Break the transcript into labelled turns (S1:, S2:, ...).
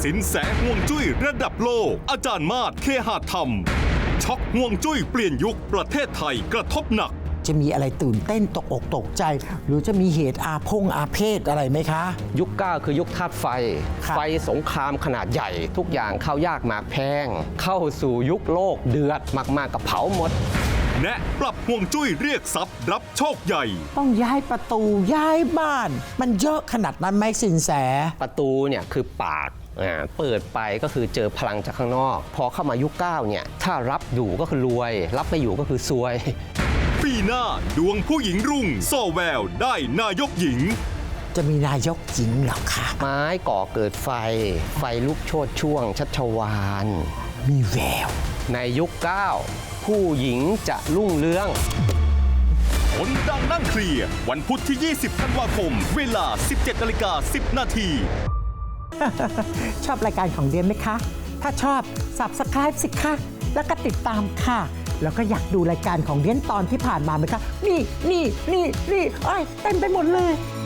S1: สินแสห่วงจุ้ยระดับโลกอาจารย์มาศ เคหะธรรมช็อกห่วงจุ้ยเปลี่ยนยุคประเทศไทยกระทบหนัก
S2: จะมีอะไรตื่นเต้นตกอกตกใจ หรือจะมีเหตุอาเพศอะไรไหมคะ
S3: ยุค 9 คือยุคธาตุไฟ ไฟสงครามขนาดใหญ่ ทุกอย่างเข้ายากหมากแพงเข้าสู่ยุคโลกเดือดมากๆกับเผาหมด
S1: แนะปรับห่วงจุ้ยเรียกทรัพย์รับโชคใหญ่
S2: ต้องย้ายประตูย้ายบ้านมันเยอะขนาดนั้นไหมสินแส
S3: ประตูเนี่ยคือปากเปิดไปก็คือเจอพลังจากข้างนอกพอเข้ามายุค 9 เนี่ยถ้ารับอยู่ก็คือรวยรับไม่อยู่ก็คือซวย
S1: ปีหน้าดวงผู้หญิงรุ่งส่อแววได้นายกหญิง
S2: จะมีนายกหญิงหรอคะ
S3: ไม้ก่อเกิดไฟลุกโชติช่วงชัชวาล
S2: มีแวว
S3: ในยุค 9 ผู้หญิงจะรุ่งเรือง
S1: คนดังนั่งเคลียร์วันพุธที่ 20 ธันวาคมเวลา 17:10 นาที
S2: ชอบรายการของเดียนไหมคะ ถ้าชอบ Subscribe สิคะแล้วก็ติดตามค่ะแล้วก็อยากดูรายการของเดียนตอนที่ผ่านมาไหมคะนี่เต็มไปหมดเลย